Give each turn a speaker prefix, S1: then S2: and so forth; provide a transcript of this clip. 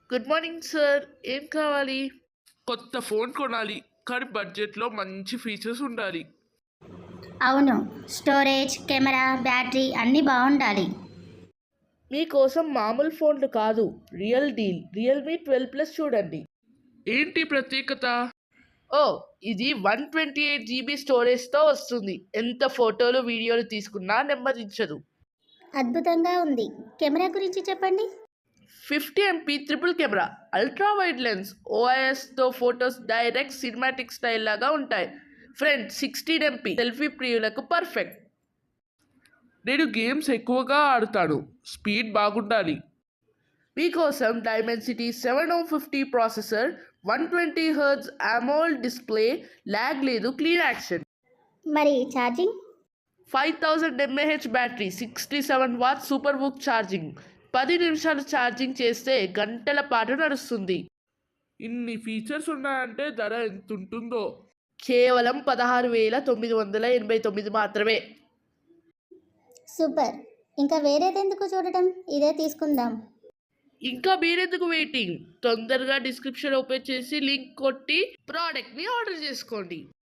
S1: Good morning sir. ఏం కావాలి? కొత్త ఫోన్ కొనాలి కానీ బడ్జెట్లో మంచి ఫీచర్స్ ఉండాలి.
S2: అవును, స్టోరేజ్, కెమెరా, బ్యాటరీ అన్నీ బాగుండాలి.
S1: మీకోసం మామూలు ఫోన్లు కాదు, రియల్ డీల్. రియల్మీ 12 ప్లస్ చూడండి. ఏంటి ప్రత్యేకత? ఓ, ఇది 128 GB స్టోరేజ్తో వస్తుంది. ఎంత ఫోటోలు వీడియోలు తీసుకున్నా నెమ్మదించదు.
S2: అద్భుతంగా ఉంది. కెమెరా గురించి చెప్పండి.
S1: 50 MP triple camera, ultra wide lens, ఓఐఎస్తో ఫొటోస్ డైరెక్ట్ సినిమాటిక్ స్టైల్ లాగా ఉంటాయి. ఫ్రంట్ 16 MP సెల్ఫీ ప్రియులకు పర్ఫెక్ట్. నేను గేమ్స్ ఎక్కువగా ఆడుతాను, స్పీడ్ బాగుండాలి. మీకోసం Dimensity 750 processor, 120 Hz AMOLED display, lag లేదు, క్లీన్ యాక్షన్.
S2: మరి charging?
S1: 5000 mAh battery, 67 W super book charging. 10 నిమిషాలు ఛార్జింగ్ చేస్తే గంటల పాటు నడుస్తుంది. ఇన్ని ఫీచర్స్ ఉన్నాయంటే ధర ఎంత ఉంటుందో? కేవలం 16,989 మాత్రమే.
S2: సూపర్. ఇంకా వేరేదెందుకు చూడటం, ఇదే తీసుకుందాం.
S1: ఇంకా మీరెందుకు వెయిటింగ్? తొందరగా డిస్క్రిప్షన్ ఓపెన్ చేసి లింక్ కొట్టి ప్రోడక్ట్ని ఆర్డర్ చేసుకోండి.